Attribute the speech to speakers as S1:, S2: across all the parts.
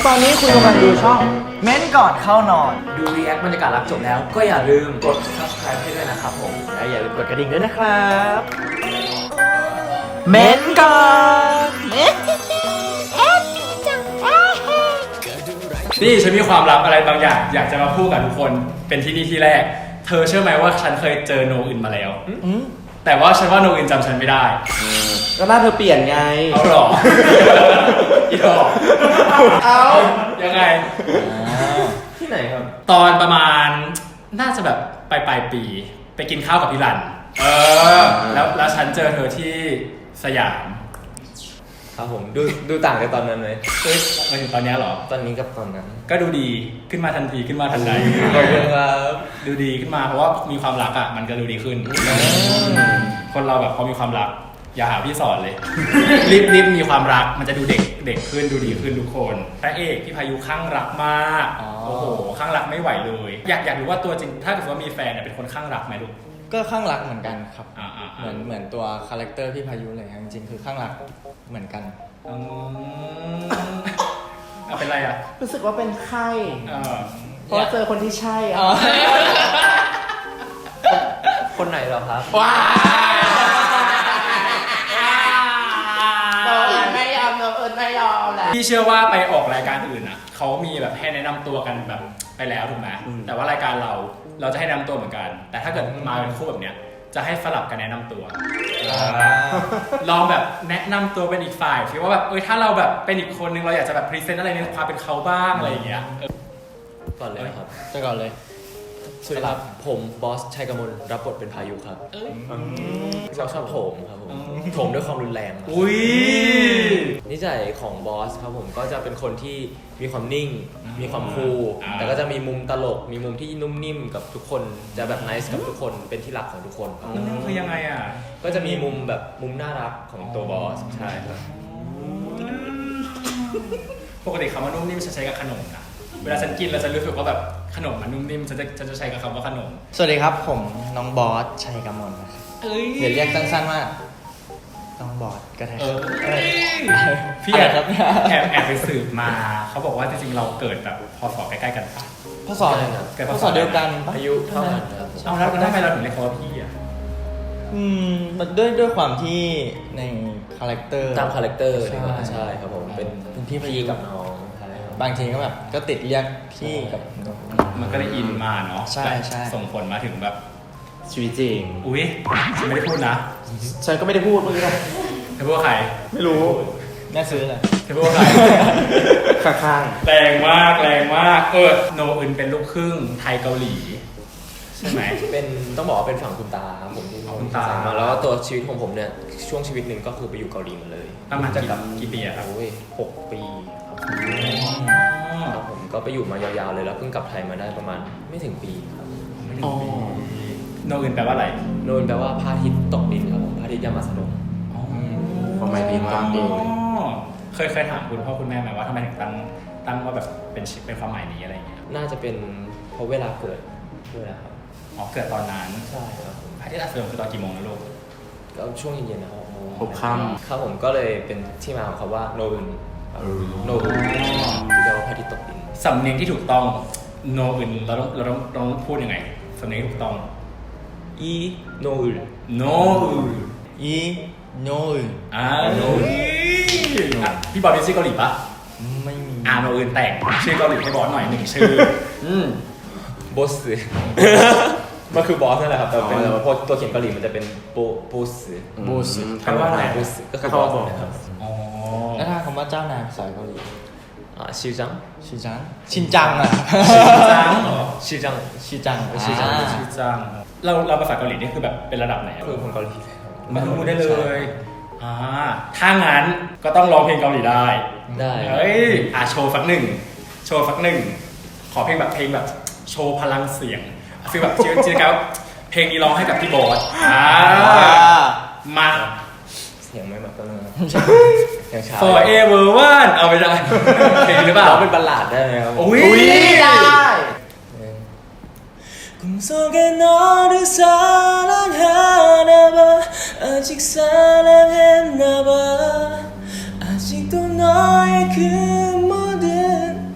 S1: ตอนนี้คุณกำลังดูช่องเม้นก่อนเข้านอน
S2: ดูรีแอคบรรยากาศรับจบแล้วก็อย่าลืมกด subscribe ให้ด้วยนะครับผม
S1: และอย่าลืมกดกระดิ่งด้วยนะครับเม้นก่อน
S2: นี่ฉันมีความลับอะไรบางอย่างอยากจะมาพูดกับทุกคนเป็นที่นี่ที่แรกเธอเชื่อไหมว่าฉันเคยเจอโนอื่นมาแล้วแต่ว่าฉันว่าโนอื่นจำฉันไม่ได้
S1: ก็หน้าเธอเปลี่ยนไง
S2: เอาหรออีดอกเอายังไง
S1: ที่ไหนครับ
S2: ตอนประมาณน่าจะแบบปลายปีไปกินข้าวกับพี่รันแล้วฉันเจอเธอที่สยาม
S1: ครับผมดูต่างจากตอนนั้นไหม
S2: มาถึงตอนนี้เหรอ
S1: ตอนนี้กับตอนนั้น
S2: ก็ดูดีขึ้นมาทันทีขึ้นมาทันใด
S1: ขอบคุณครับ
S2: ดูดีขึ้นมาเพราะว่ามีความรักอ่ะมันก็ดูดีขึ้นคนเราแบบพอมีความรักอย่าหาพี่สอนเลยรีบมีความรักมันจะดูเด็กขึ้นดูดีขึ้นทุกคนพระเอกพี่พายุข้างรักมากโอ้โหข้างรักไม่ไหวเลยอยากรู้ว่าตัวจริงถ้าเกิดว่ามีแฟนเนี่ยเป็นคนข้างรักไหมลูก
S1: ก็ข้างรักเหมือนกันครับเหมือนตัวคาแรคเตอร์พี่พายุเลยจริงๆคือข้างรักเหมือนกัน
S2: เป็นไรอ่ะ
S1: รู้สึกว่าเป็นไข้เพราะเจอคนที่ใช่
S3: คนไหนเหรอครับ
S1: ว้าไม่ยอมแหละ
S2: พี่เชื่อว่าไปออกรายการอื่นอ่ะเขามีแบบให้แนะนำตัวกันแบบไปแล้วถูกไหมแต่ว่ารายการเราจะให้แนะนำตัวเหมือนกันแต่ถ้าเกิดมาเป็นคู่แบบเนี้ยจะให้สลับกันแนะนำตัวลองแบบแนะนำตัวเป็นอีกฝ่ายคิดว่าแบบถ้าเราแบบเป็นอีกคนนึงเราอยากจะแบบพรีเซนต์อะไรในความเป็นเขาบ้างอะไรอย่างเงี้ย
S3: ก่อนเลยครับ
S1: จะก่อนเลย
S3: สำหรับผมบอสชัยกมลรับบทเป็นพายุครับชอบโถมครับผมโถมด้วยความรุนแรงนิสัยของบอสครับผมก็จะเป็นคนที่มีความนิ่งมีความคูลแต่ก็จะมีมุมตลกมีมุมที่นุ่มนิ่มกับทุกคนจะแบบไนซ์กับทุกคนเป็นที่รักของทุกคน
S2: คือยังไงอ่ะ
S3: ก็จะมีมุมแบบมุมน่ารักของตัวบอสใช่ครับ
S2: ปกติคำว่านุ่มนิ่มฉันใช้กับขนมนะเวลาฉันกินแล้วฉันรู้สึกว่าแบบขนมมันนุ่มนิ่มฉันจะใช้กับคำว่าขนม
S1: สวัสดีครับผมน้องบอสชัยกมลนะครับเดี๋ยวเรียกสั้นๆว่าน้องบอสก็ได้
S2: พี่แอบไปสืบมาเขาบอกว่าจริงๆเราเกิดแบบพศใกล้ๆกันปะ
S1: พศเดียวกัน
S3: อายุเท่ากันครับ
S2: เอาแล้วทำไมเราถึงเรียกเขาว่าพี่อ่ะ
S1: มันด้วยความที่ในคาแรคเตอร์
S3: ตามคาแรคเตอร์ใช่ครับผมเป็นพี่กับน้อง
S1: บางทีก็แบบก็ติดเรียกพี่กับ
S2: มันก็ได้อินมาเนาะ
S1: ใช่
S2: ส่งผลมาถึงแบบ
S1: ชีวิตจริง
S2: อุ๊ยฉันไม่ได้พูดนะ
S1: ฉันก็ไม่ได้พูดเมื่อกี้
S2: เธอพูดว่าใคร
S1: ไม่รู้แม่ซื้อเลย
S2: เธอพูดว่าใคร
S1: ข้าง
S2: แรงมากโนอึนเป็นลูกครึ่งไทยเกาหลีใช่ไหม
S3: เป็นต้องบอกว่าเป็นฝั่งคุณตาครับผมที่
S2: คุณตา
S3: มาแล้วตัวชีวิตของผมเนี่ยช่วงชีวิตหนึ่งก็คือไปอยู่เกาหลีมาเลย
S2: ประมาณกี่ปีครับ
S3: 6 ปีครับผมก็ไปอยู่มายาวๆเลยแล้วเพิ่งกลับไทยมาได้ประมาณไม่ถึงปีครับ
S2: โนอึนแปลว่าอะไร
S3: โนอึนแปลว่าพระอาทิตย์ตกดินครับผมพระอาทิตย์ยามมาสนม
S1: ความหมายดีมาก
S2: เคยถามคุณพ่อคุณแม่ไหมว่าทำไมถึงตั้งว่าแบบเป็นความหมายนี้อะไรอย่างเงี้ย
S3: น่าจะเป็นเพราะเวลาเกิดด้วยนะครับ
S2: เกิดตอนนั้น
S3: ใช่ครับ
S2: พระอาทิตย์อัสดงคือตอนกี่โมงนะลูก
S3: ก็ช่วงเย็นๆนะครับ
S1: 6 ค่ำ
S3: ครับผมก็เลยเป็นที่มาของคำว่าโนอึนที่แปลว่าพระอาทิตย์ตกดิน
S2: สำเนียงที่ถูกต้องโนอึนเราต้องพูดยังไงสำเนียงถูกต้อง
S3: อีโนอึน
S1: อีโนอึน
S2: โนอึนพี่บอลเป็นชื่อเกาหลีปะ
S1: ไม่มี
S2: โนอึนแต่งชื่อเกาหลีให้บอสหน่อย1ชื่
S3: อบอสมันคือบอสนั่นแหละครับแต่เป็นพอตัวเขียนเกาหลีมันจะเป็นโบส
S2: แปลว่าอะไร
S3: ก็คือบอสนะครับ
S1: แล้วถ้าคำว่าเจ้านายภาษาเกาหลี
S3: ชิจัง
S2: เราภาษาเกาหลีนี่คือแบบเป็นระดับไหน
S3: คือคนเกาหลี
S2: มาพูดได้เลยถ้างั้นก็ต้องร้องเพลงเกาหลีได้โชว์สักหนึ่งขอเพลงแบบโชว์พลังเสียงฟีลแบบจริงๆแล้วเพลงนี้ร้องให้กับพี่บอสมา
S3: เสียงไม่เหมือนกันเลย
S2: อย่างช้า Forever One เอาไปได้เพลงหรือเปล่า
S3: เป็นบัลลาดได้ไหมครับ
S2: อุ้ย
S1: ได้
S3: 아직도 너의 그 모든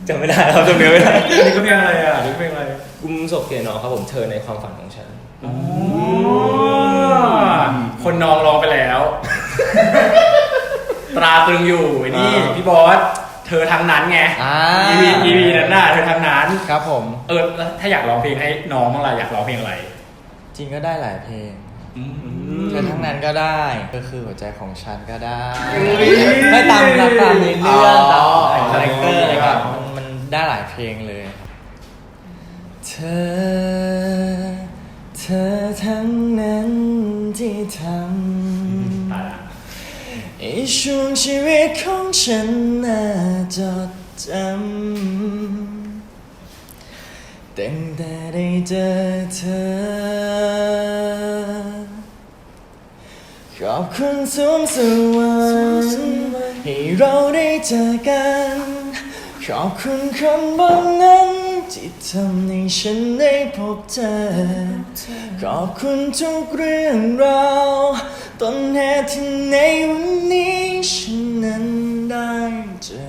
S3: จำไม่ได้ครับจำเนื้อไม่ได้
S2: อันนี้ก็เพลงอะไรอ่ะนี่เพลงอะไร
S3: กุมศพเกน้องครับผมเธอในความฝันของฉัน
S2: คนน้องร้องไปแล้ว ตราตรึงอยู่นี่พี่บอสเธอทางนั้นไง EP นั้นน่ะเธอทางนั้น
S1: ครับผม
S2: แล้วถ้าอยากร้องเพลงให้น้องบ้างล่ะอยากร้องเพลงอะไร
S1: จริงก็ได้หลายเพลงเธอทั้งนั้นก็ได้ก็คือหัวใจของฉันก็ได้ไม่ตามในเรื่องตามคาแรคเตอร์อะไรแบบมันได้หลายเพลงเลยเธอทั้งนั้นที่ทำไอ้ช่วงชีวิตของฉันน่าจดจำตั้งแต่ได้เจอเธอขอบคุณสูงสวรรค์ให้เราได้เจอกันขอบคุณคนบนนั้นที่ทำให้ฉันได้พบเธอขอบคุณทุกเรื่องราวต้นเหตุที่ในวันนี้ฉันนั้นได้เจอ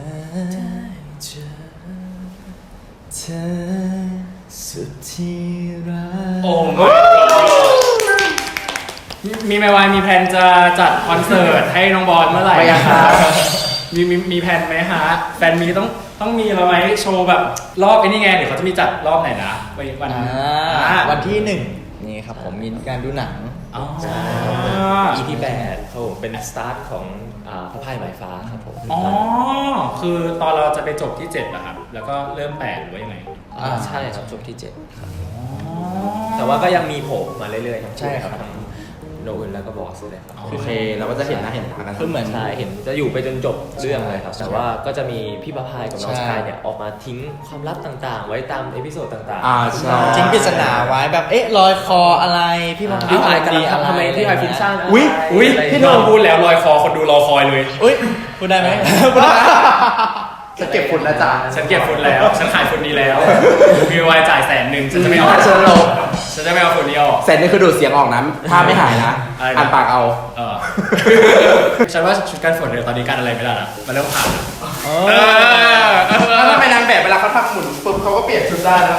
S1: เธอสุดที่รัก
S2: โอ้โหมีไหมวายมีแผนจะจัดคอนเสิร์ตให้น้องบอลเมื่อไหร่ครับมีแผนไหมฮะแฟนมีต้องมีเราไหมโชว์แบบรอบไอ้นี่ไงเดี๋ยวเขาจะมีจัดรอบไหนนะ
S1: วันที่1นี่ครับผมมีการดูหนัง
S3: EP 8ครับผมเป็นสตาร์ทของพระพายหมายฟ้าครับผม
S2: คือตอนเราจะไปจบที่7เหรอครับแล้วก็เริ่ม8หรือว่ายังไง
S3: ใช่ครับจบที่7ครับแต่ว่าก็ยังมีโผล่มาเรื่อยๆครับ
S1: ใช่ครับ
S3: โนอื่นแล้วก็บอสเลยครับ
S4: โอเคเราก็จะเห็นหน้าเห็นตากัน
S3: คือเหมือนใช่เห็นจะอยู่ไปจนจบเรื่องเลยครับแต่ว่าก็จะมีพี่พระพายกับน้องสกายเนี่ยออกมาทิ้งความลับต่างๆไว้ตามเอพิโซดต่าง
S4: ๆใช่
S1: ทิ้งปริศนาไว้แบบลอยคออะไรพี่พายกัน
S3: ทำไมพี่พายฟุ้งซ่าน
S2: อุ้ยพี่โนพูดแล้วลอยคอคนดูรอคอยเลย
S1: พูดได้ไหม
S4: ฉันเก็บฝุ่นแล้วจ้ะ
S2: ฉันเก็บฝุ่นแล้วฉันขายฝุ่นนี้แล้วมีไว้จ่าย100,000ฉันจะไม่เอาฉันจะไม่เอาฝุ่นนี้ออก
S4: 100,000นี่คือดูดเสียงออกนะถ้าไม่หายนะอ่านปากเอา
S2: ฉันว่าชุดการฝนเนี่ยตอนนี้การอะไรไม่ได้ละมันเริ่มผ่าน
S4: ถ้าเป็นนางแบบเวลาเขาทำหมุนปุ๊บเขาก็เปลี่ยนชุดได้นะ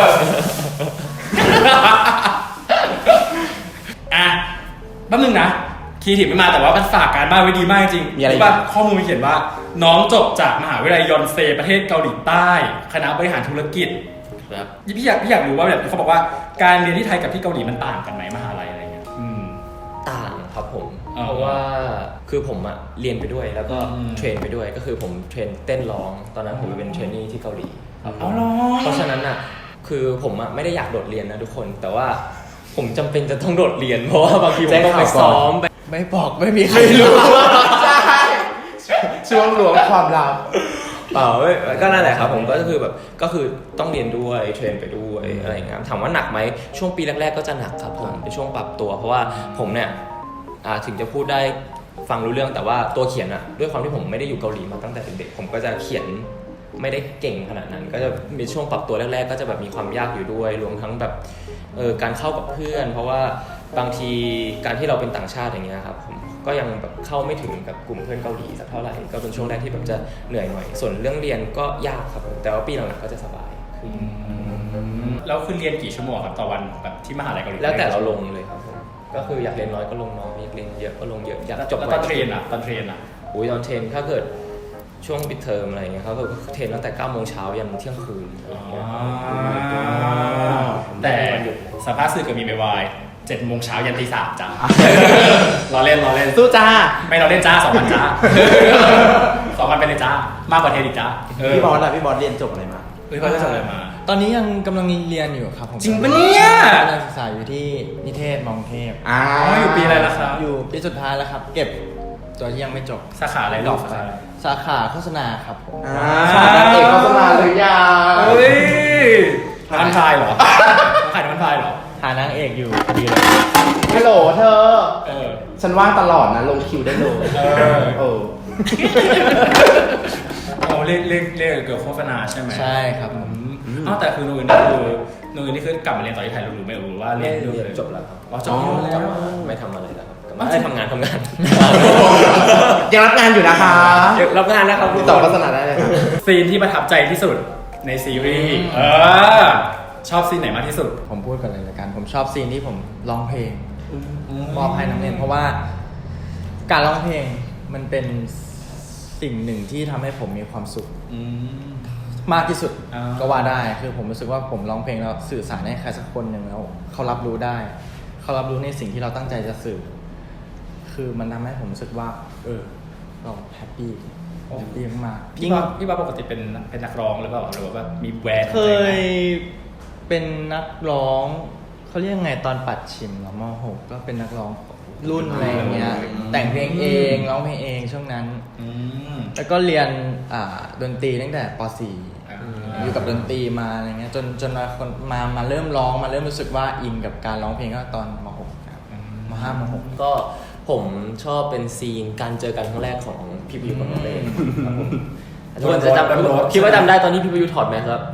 S2: แป๊บนึงนะคีย์ถิบไม่มาแต่ว่ามันฝากการบ้านไว้ดีมากจริง
S4: มีอะไร
S2: บ้างข้อมูลเขียนว่าน้องจบจากมหาวิทยาลัยยอนเซประเทศเกาหลีใต้คณะบริหารธุรกิจ
S3: ครับ
S2: พี่อยากรู้ว่าแบบเขาบอกว่าการเรียนที่ไทยกับที่เกาหลีมันต่างกันไหมมหาลัยอะไรเงี้ย
S3: ต่างครับผมเพราะว่าคือผมอะเรียนไปด้วยแล้วก็เทรนไปด้วยก็คือผมเทรนเต้นร้องตอนนั้นผมไปเป็นเทรนนี่ที่เกาหลีเพราะฉะนั้นอะคือผมอะไม่ได้อยากโดดเรียนนะทุกคนแต่ว่าผมจำเป็นจะต้องโดดเรียนเพราะว่าบางทีผมต้องไปซ้อม
S1: ไม่บอกไม่มีใครรู้
S4: ใช่ช่วงหลวงความลับ
S3: ก็นั่นแหละครับผมก็คือแบบก็คือต้องเรียนด้วยเทรนไปด้วยอะไรอย่างเงี้ยถามว่าหนักไหมช่วงปีแรกๆก็จะหนักครับผมเป็นช่วงปรับตัวเพราะว่าผมเนี่ยถึงจะพูดได้ฟังรู้เรื่องแต่ว่าตัวเขียนอะด้วยความที่ผมไม่ได้อยู่เกาหลีมาตั้งแต่เด็กๆผมก็จะเขียนไม่ได้เก่งขนาดนั้นก็จะมีช่วงปรับตัวแรกๆก็จะแบบมีความยากอยู่ด้วยรวมทั้งแบบการเข้ากับเพื่อนเพราะว่าบางทีการที่เราเป็นต่างชาติอย่างเงี้ยครับผมก็ยังแบบเข้าไม่ถึงกับกลุ่มเพื่อนเกาหลีสักเท่าไหร่ก็เป็นช่วงแรกที่แบบจะเหนื่อยหน่อยส่วนเรื่องเรียนก็ยากครับแต่ว่าปีหลังๆก็จะสบาย
S2: แล้วคือเรียนกี่ชั่วโมงครับต่อวันแบบที่มหาลัยเกาหลี
S3: แล้วแต่เราลงเลยครับผมก็คืออยากเรียนน้อยก็ลงน้อยอยากเรียนเยอะก็ลงเยอะอยากจบ
S2: ตอนเทรนอ่ะ
S3: ตอนเทรนถ้าเกิดช่วงปิดเทอมอะไรเงี้ยเขาก็เทรนตั้งแต่9 โมงเช้ายันเที่ยงคืน
S2: แต่สภาพสื่อกับมีไม่วาย7 โมงเช้ายันตี 3จ้าเราเล่น
S4: สู้จ้า
S2: ไม่เราเล่นจ้า2 วันจ้า2 วันไปเลยจ้ามากกว่าเทนอีกจ้า
S4: พี่บอสเรียนจบอะไรมา
S2: พี่บอสจบอะไรมา
S1: ตอนนี้ยังกำลังเรียนอยู่ครับผม
S2: จริงปะเนี่ย
S1: กำลังศึกษาอยู่ที่นิเทศมองเทพ
S2: อยู่ปีอะไรแล้วครับ
S1: อยู่ปีสุดท้ายแล้วครับเก็บตัวที่ยังไม่จบ
S2: สาขาอะไรดอก
S1: สาขาโฆษณาครับ
S4: นางเอกโฆษณาหรือยัง
S2: น้ำพายเหรอขายน้ำพายเหรอ
S1: หานางเอกอยู่พอดีเลย
S4: ฮัลโหลเธอฉันว่างตลอดนะลงคิวได้เลย
S2: เรียกเกี่ยวกับโฆษณาใช่ไหม
S1: ใช่ครับ
S2: แต่คือนูนนี่คือกลับมาเรียนต่อที่ไทยรู้ไม่รู้ว่าเรียน
S3: จบแล้วครับ
S2: จบแล้ว
S3: ไม่ทำอะไรแล้วครับได้ทำงาน
S4: ยังรับงานอยู่นะคะ
S3: รับงานนะครับ
S4: ติดต่อโฆษณาได้เลยค่ะ
S2: ซีนที่ประทับใจที่สุดในซีรีส์ชอบซีนไหนมากที่สุด
S1: ผมพูดกันเลยละกัน ผมชอบซีนที่ผมร้องเพลงมอบให้นักเรียนเพราะว่าการร้องเพลงมันเป็นสิ่งหนึ่งที่ทำให้ผมมีความสุขมากที่สุด
S2: อ่า
S1: ก็ว่าได้คือผมรู้สึกว่าผมร้องเพลงแล้วสื่อสารให้ใครสักคนหนึ่งแล้วเขารับรู้ได้ เขารับรู้ในสิ่งที่เราตั้งใจจะสื่อ คือมันทำให้ผมรู้สึกว่า เราแฮปปี้มากๆ
S2: พี่บ้าปกติเป็นนักร้องหรือเปล่าหรือว่าแบบมีแบรนด์
S1: เคยเป็นนักร้องเขาเรียกไงตอนปัดชิมเหรอม.6 ก็เป็นนักร้องรุ่นอะไรอย่างเงี้ยแต่งเพลงเองร้องเพลงเองช่วงนั้น แล้วก็เรียนดนตรีตั้งแต่ป .4 อยู่กับดนตรีมาอะไรเงี้ยจนมาเริ่มร้องมาเริ่มรู้สึกว่าอินกับการร้องเพลงก็ตอนม .6 ครับม .5 ม .6
S3: ก็ผมชอบเป็นซีนการเจอกันครั้งแรกของพี่พิวกับน้องเล่ครับผมทุกคนจะจำคิดว่าจำได้ตอนที่พี่พิวถอดแมสครับ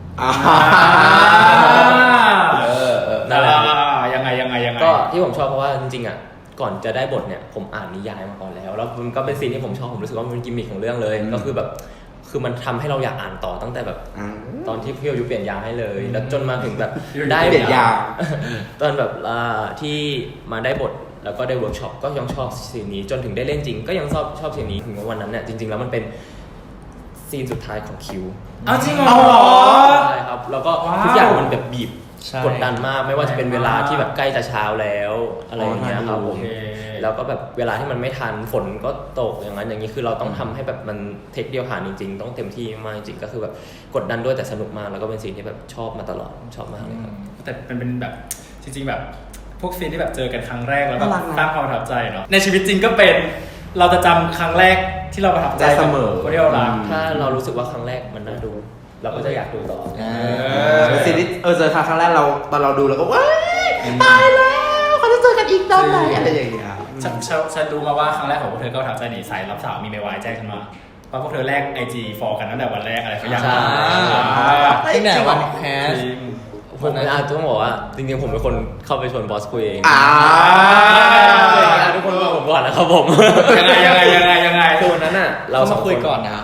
S3: นั่นแหละ
S2: ยังไง
S3: ก็ที่ผมชอบเพราะว่าจริงๆอ่ะก่อนจะได้บทเนี่ยผมอ่านนิยายมาก่อนแล้วมันก็เป็นซีนที่ผมชอบผมรู้สึกว่ามันเป็นกิมมิคของเรื่องเลยก็คือแบบคือมันทำให้เราอยากอ่านต่อตั้งแต่แบบตอนที่พี่อายุเปลี่ยนยางให้เลยแล้วจนมาถึงแบบได้
S4: เปลี่ยนยาง
S3: ตอนแบบที่มาได้บทแล้วก็ได้เวิร์กช็อปก็ยังชอบซีนนี้จนถึงได้เล่นจริงก็ยังชอบซีนนี้ถึงวันนั้นเนี่ยจริงๆแล้วมันเป็นซีนสุดท้ายของคิว
S2: เอาจริงเหรอ
S3: ใช่ครับแล้วก็ทุกอย่างมันแบบบีบ
S1: ใช่
S3: กดดันมากไม่ว่าจะเป็นเวลาที่แบบใกล้จะเช้าแล้วอะไรอย่างเงี้ยครับผม
S2: โอเค
S3: แล้วก็แบบเวลาที่มันไม่ทันฝนก็ตกอย่างนั้นอย่างนี้คือเราต้องทำให้แบบมันเทคเดียวผ่านจริงๆต้องเต็มที่มากจริงๆก็คือแบบกดดันด้วยแต่สนุกมากแล้วก็เป็นสิ่งที่แบบชอบมาตลอดชอบมากเลยครับ
S2: แต่เป็นแบบจริงๆแบบพวกซีนที่แบบเจอกันครั้งแรกแล้วแบบ
S4: น่ารักนะ
S2: สร้างความประทับใจเนาะในชีวิตจริงก็เป็นเราจะจำครั้งแรกที่เราประทับใจ
S4: ได้เสมอ
S2: คนที่เรารัก
S3: ถ้าเรารู้สึกว่าครั้งแรกมันน่าดู เราก็จะอยากดูต่อ
S4: ซีรีส์เจอครั้งแรกเราตอนเราดูแล้วก็ว้ายตายแล้วเขาจะเจอกันอีกตอนไหนอะไรอย่างเงี้ย
S2: ฉันรู้มาว่าครั้งแรกของพวกเธอก็ประทับใจนี่สายรับสาวมีเมวายแจ้งฉันมาว่าพวกเธอแลก IG ฟอลกันตั้งแต่วันแรกอะไรเขาอยาก
S3: ใช่
S1: ตั้งแต่วันแคส
S2: จริง
S3: ผมต้องบอกว่าจริงๆผมเป็นคนเข้าไปชวนบอสคุยเอง ทุกคนบอกผมก่อนนะครับผม
S2: ยังไง
S3: คือวันนั้นน่ะเรา
S1: เรา
S3: ส
S1: มา
S3: อง
S1: คุย
S3: คน
S1: ก่อนนะ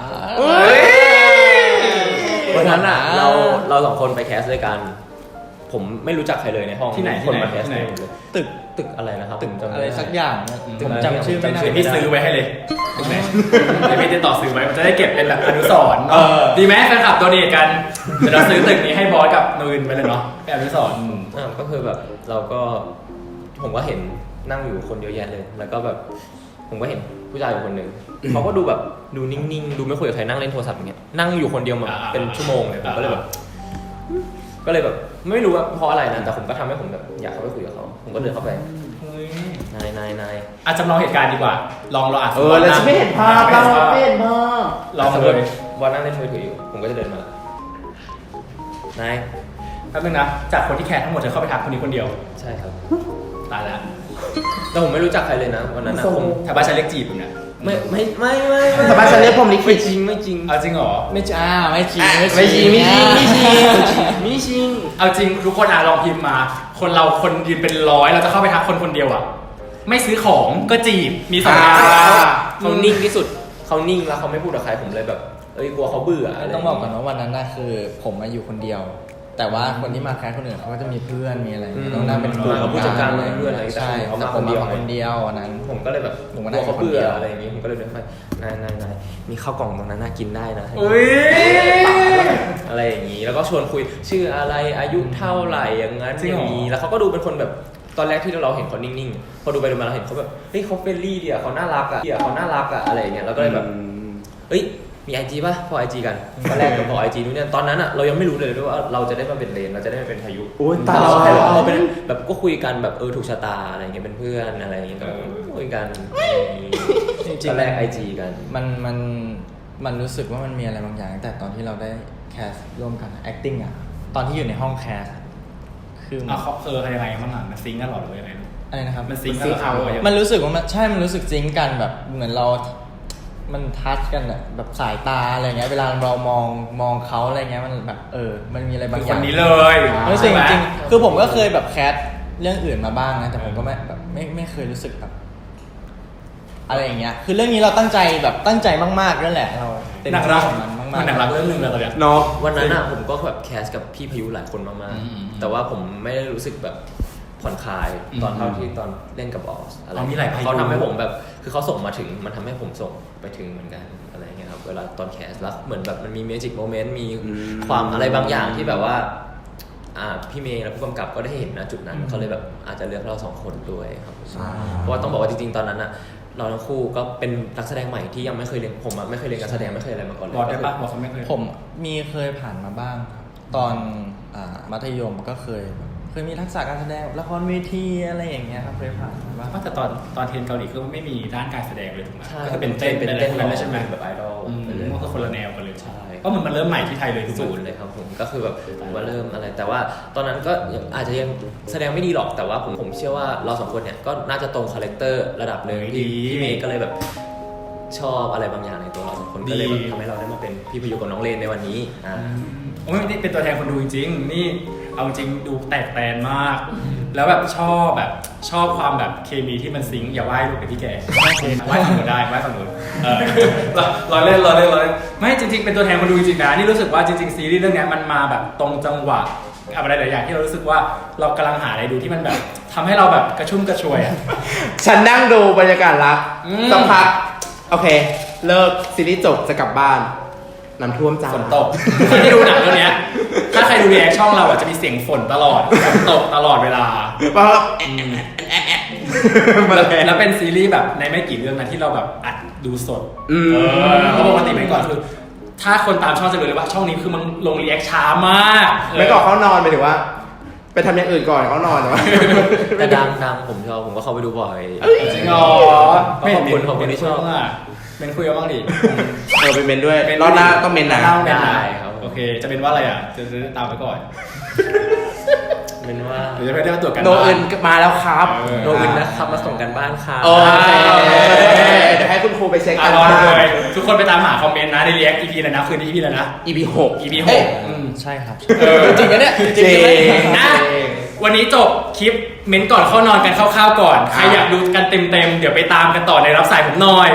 S3: วันนั้นน่ะเราสองคนไปแคสด้วยกัน ผมไม่รู้จักใครเลยในห้อง
S2: ที่ไหน
S3: คนมา
S2: ที่
S3: แค
S2: ไหน
S3: สเลย
S1: ตึก
S3: อะไรนะครับ
S1: ตึก
S3: ผมจำม่
S1: อะไร
S3: ด้
S1: สักอย่างเนี่ยผมจำชื่อไม่ได้
S2: เดี๋ยวพี่ซื้อไว้ให้เลยเดี๋ยวพี่จะต่อซื้อไว้มันจะได้เก็บเป็นแบบอนุสรณ์ดีไหมแฟนคลับโดเนทกันเดี๋ยวเราซื้อตึกนี้ให้บอสกับนูนไปเลยเนาะเป็นอนุสรณ์
S3: ก็คือแบบเราก็ผมก็เห็นนั่งอยู่คนเยอะแยะเลย แล้วก็แบบผมก็เห็นผู้ชายอยู่คนหนึ่งเขาก็ดูแบบดูนิ่งๆดูไม่คุยกับใครนั่งเล่นโทรศัพท์อย่างเงี้ยนั่งอยู่คนเดียวมาเป็นชั่วโมงเลยผมก็เลยแบบไม่รู้ว่าเพราะอะไรนะแต่ผมก็ทำให้ผมแบบอยากเข้าไปคุยกับเขาผมก็เดินเข้าไปนาย
S2: จำลองเหตุการณ์ดีกว่าลองเราอ่าน
S4: แล้วฉันไม่เห็นภาพเราไม่เห็นภาพ
S2: ลองเลย
S3: วันนั่งเล่นมือถืออยู่ผมก็จะเดินมานาย
S2: แป๊บนึงนะจากคนที่แคร์ทั้งหมดเธอเข้าไปทักคนนี้คนเดียว
S3: ใช่ครับ
S2: ตายแล้ว
S3: แต่ผมไม่รู้จักใครเลยนะวันนั้นนะผม
S2: ชาวบ้านฉันเรียกจีบมึงเนี่ย
S3: ไม่
S4: แต่บ้านฉันเรียกผมลิขิต
S3: ไม่จริง
S2: เอาจริงเหรอ
S1: ไม่จริงไม่จริง
S3: ไม่จริง
S2: เอาจริงทุกคนลองพิมพ์มา คนเราคนยืนเป็นร้อยเราจะเข้าไปทักคนเดียวอ่ะไม่ซื้อของก็จีบมีสองอย่าง
S3: เขานิ่งที่สุดเขานิ่งแล้วเขาไม่พูดกับใครผมเลยแบบกลัวเขาเบื่ออะไร
S1: ต้องบอกก่อนว่าวันนั้นน่ะคือผมมาอยู่คนเดียว แต่ว่าคนที่มาแคสคนอื่นเขาก็จะมีเพื่อนมีอะไรต้องนั่งเป็นกลุ่ม
S3: ผู้จัดการเพื่อนอะไร
S1: ใช่แต่ผมมาคนเดียวอันนั้น
S3: ผมก็เลยแบบ
S1: ผม
S3: ก
S1: ก็
S3: ลั
S1: นั่
S3: ว
S1: ง
S3: เขาเบื่
S1: คนเดี
S3: อ
S1: ยว
S3: อะไรอย่างงี้ผมก็เลยเดินไปนายมีข้าวกล่องตรงนั้นน่ากินได้นะ
S2: อุ้ย
S3: อะไรอย่างนี้แล้วก็ชวนคุยชื่ออะไรอายุเท่าไหร่อย่างนั้นอย่างนี้แล้วเขาก็ดูเป็นคนแบบตอนแรกที่เราเห็นเขานิ่งๆพอดูไปดูมาเราเห็นเขาแบบเฮ้ยเขาเฟรนลี่ดีอ่ะเขาน่ารักอ่ะอะไรอย่างเงี้ยเราก็เลยแบบเฮ้ยมีไอจีป่ะพอไอจีกันตอนแรกเราพอไอจีนู้นเนี่ยตอนนั้นอ่ะเรายังไม่รู้เลยด้วยว่าเราจะได้มาเป็นเลนเราจะได้มาเป็นพายุ
S4: โอ้ย
S3: แต่
S4: ตาย
S3: เราแค่
S4: แล้ว
S3: เราเป็นแบบก็คุยกันแบบถูกชะตาอะไรเงี้ยเป็นเพื่อนอะไรอย่างเงี้ยก็คุยกัน
S1: จริง
S3: ตอนแรกไอจีกัน
S1: มันรู้สึกว่ามันมีอะไรบางอย่างตั้งแต่ตอนที่เราได้แคสร่วมกัน acting อ่ะตอนที่อยู่ในห้องแคสคือ
S2: เขายังไงบ้างอ่ะมันซิงกันหรอหรือยังไง
S1: อะไรนะครับ
S2: มันซิงกันหรอ
S1: มันรู้สึกว่ามันรู้สึกซิงค์กันแบบเหมือนเรา มันทัชกันอะแบบสายตาอะไรเงี้ยเวลาเรามองเขาอะไรเงี้ยมันแบบมันมีอะไรบางอ
S2: ค
S1: ย่าง
S2: นนี้เลย
S1: รู้สึกจริงๆคือผมก็เคยแบบแคสเรื่องอื่นมาบ้างนะแต่ผมก็ไม่เคยรู้สึกแบบอะไรอย่างเงี้ยคือเรื่องนี้เราตั้งใจมากๆนั่นแหละเราเต็ม
S2: หนัง
S1: ที่
S2: รัก
S1: กับมันมาก
S2: มันหนังรักเรื่องหนึงเลยตอนเนี้ย
S4: เนาะ
S3: วันนั้นผมก็แบบแคสกับพี่พายุหลายคนมาก
S2: อืม
S3: ๆแต่ว่าผมไม่ได้รู้สึกแบบผ่อนคลายตอนเท่าที่ตอนเล่นกับบอสอะไร
S2: มีหลายพายุ
S3: เขาทำให้ผมแบบคือเขาส่งมาถึงมันทำให้ผมส่งไปถึงเหมือนกันอะไรอย่างเงี้ยครับเวลาตอนแคสแล้วเหมือนแบบมันมีเมจิกโมเมนต์มีความอะไรบางอย่างที่แบบว่าพี่เมย์และผู้กำกับก็ได้เห็นนะจุดนั้นเขาเลยแบบอาจจะเลือกเราสองคนด้วยครับเพราะว่าต้องบอกว่าจริงๆตอนนั้นเราทั้งคู่ก็เป็นนักแสดงใหม่ที่ยังไม่เคยเรียนผมไม่เคยเรียนการแสดงไม่เคยอะไรมาก่อนเลย
S2: บอกได้ปะบอกเขาไม่เคย
S1: ผมมีเคยผ่านมาบ้างครับตอนมัธยมก็เคยมีทักษะการแสดงละครเวทีอะไรอย่างเงี้ยครับเคยผ่านมาบ้าง
S2: ว่าแต่ตอนเทรนเกาหลีก็ไม่มีด้านการแสดงเลยถูกไหม
S3: ใช่
S2: ก็จะเป็นเต้นเป็นอะไรพวกนั้นเลยใช่ไหม
S3: แบบไอดอล
S2: มันก็คนละแนวกันเลย
S3: ใช่
S2: ก็เหมือนมันเริ่มใหม่ที่ไทยเลยถูก
S3: ศู
S2: ไหม
S3: นย์เลยครับผมก็คือแบบว่าเริ่มอะไรแต่ว่าตอนนั้นก็อาจจะยังแสดงไม่ดีหรอกแต่ว่าผมเชื่อว่าเราสองคนเนี่ยก็น่าจะตรงคาแรคเตอร์ระดับหนึ่งที่พี่เมย์ก็เลยแบบชอบอะไรบางอย่างในตัวเราสองคนก็เลยแบบทำให้เราได้มาเป็นพี่พายุกับน้องเลนในวันนี้
S2: โอ้ยนี่เป็นตัวแทนคนดูจริงๆนี่เอาจริงดูแตกแตนมาก แล้วแบบชอบความแบบเคมีที่มันซิงค์อย่าไหว้ลูกกับพี่แกไหว้ฝั่งนู้นได้ไหว้ฝั่งนู้นรอเล่นไม่จริงๆเป็นตัวแทนคนดูจริงๆนะนี่รู้สึกว่าจริงๆซีรีส์เรื่องนี้มันมาแบบตรงจังหวะอะไรหลายอย่างที่เรารู้สึกว่าเรากำลังหาอะไรดูที่มันแบบทำให้เราแบบกระชุ่มกระชวยอ่ะ
S4: ฉันนั่งดูบรรยากาศรัก
S2: อืม
S4: สักพักโอเค เลิกซีรีส์จบจะกลับบ้านน้ำท่วมจ้า
S2: ฝนตกคนที่ดูหนังเรื่องเนี้ยถ้าใครดูรีแอคช่องเราอ่ะจะมีเสียงฝนตลอดฝนตกตลอดเวลา
S4: เพราะ
S2: แล้วเป็นซีรีส์แบบในไม่กี่เรื่องนะที่เราแบบอัดดูสด
S4: อืม
S2: เพราะปกติไม่ก่อนคือ ถ้าคนตามช่องจะรู้เลยว่าช่องนี้คือมันลงรีแอคช้ามาก
S4: ไม่ก่อนเขานอนไปถึงว่า ไปทำอย่างอื่นก่อนเขานอนแต่ว่า
S3: แต่ดังผมชอบผมก็เข้าไปดูบ่อย
S2: จริงเหรอ
S3: ขอบคุณที่ชอบ
S2: เป็นคุยกันบ้างดิ
S4: เป็นเมนด้วยรอบหน้าต้องเมนนะ
S3: ได้ครับ
S2: โอเค จะเป็นว่าอะไรอ่ะจะตามไปก่อน
S3: เป็นว่า
S2: เดี๋ยวจะไปได้มาตรวจกัน
S4: โนอื่นมาแล้วครับ
S3: โนวินนะครับมาส่งกันบ้านค่ะ
S4: โอเคเดี๋ยวให้คุณครูไปเช็คกัน
S2: รอดูเลยทุกคนไปตามหาคอมเมนต์นะในรีแอค EP เลยนะคืนนี้ EP เลยนะ
S4: EP 6
S2: EP
S1: เอ้ย
S2: 6
S1: ใช่ครับ
S2: จริงนะเนี่ย
S4: จริง
S2: นะวันนี้จบคลิปเม้นก่อนเข้านอนกันคร่าวๆก่อนใครอยากดูกันเต็มๆเดี๋ยวไปตามกันต่อในรับสายผมหน่อย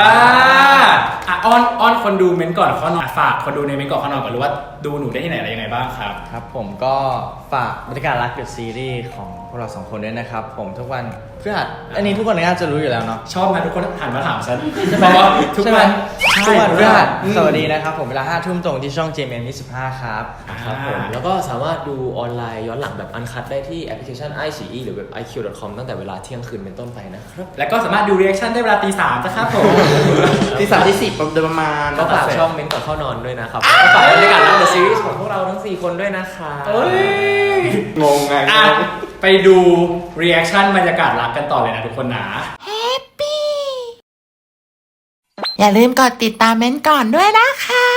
S2: อ้อนคนดูเม้นก่อนเข้านอนฝากคนดูในเม้นก่อนเข้านอนก่อนหรือว่าดูหนูได้ที่ไหนอะไรยังไงบ้างครับ
S1: ครับผมก็ฝากบรรยากาศรักเดอะซีรีส์ของพวกเราสองคนด้วยนะครับผมทุกวันพฤหัสอันนี้ทุกคนน่าจะรู้อยู่แล้วเนาะ
S2: ชอบนะทุกคนหันมาถามฉันเพราะว่าทุกวัน
S1: ทุกวันพฤหัส
S2: อืม
S1: สวัสดีนะครับผมเวลา 5 ทุ่มตรงที่ช่อง JMM 25ครับ
S3: ครับผมแล้วก็สามารถดูออนไลน์ย้อนหลังแบบอันคัดได้ที่แอปพลิเคชัน iQIYI หรือเว็บ iq.com ตั้งแต่เวลาเที่ยงคืนเป็นต้นไปนะครับ
S2: แล้วก็สามารถดูรีแอคชั่นได้เวลาตี 3นะครับผม
S4: ที่3ที่10โดยประมาณ
S3: ก็ฝากช่องเม้นก่อนเข้านอนด้วยนะครับก็ฝากบรรยากาศรักเดอะซีรีส์ของพวกเราทั้ง 4 คนด้วยนะคะ
S2: เอ้ย
S4: งงไง
S2: อ่ะไปดูรีแอคชั่นบรรยากาศรักกันต่อเลยนะทุกคนนะ
S5: อย่าลืมกดติดตามเม้นท์ก่อนด้วยนะคะ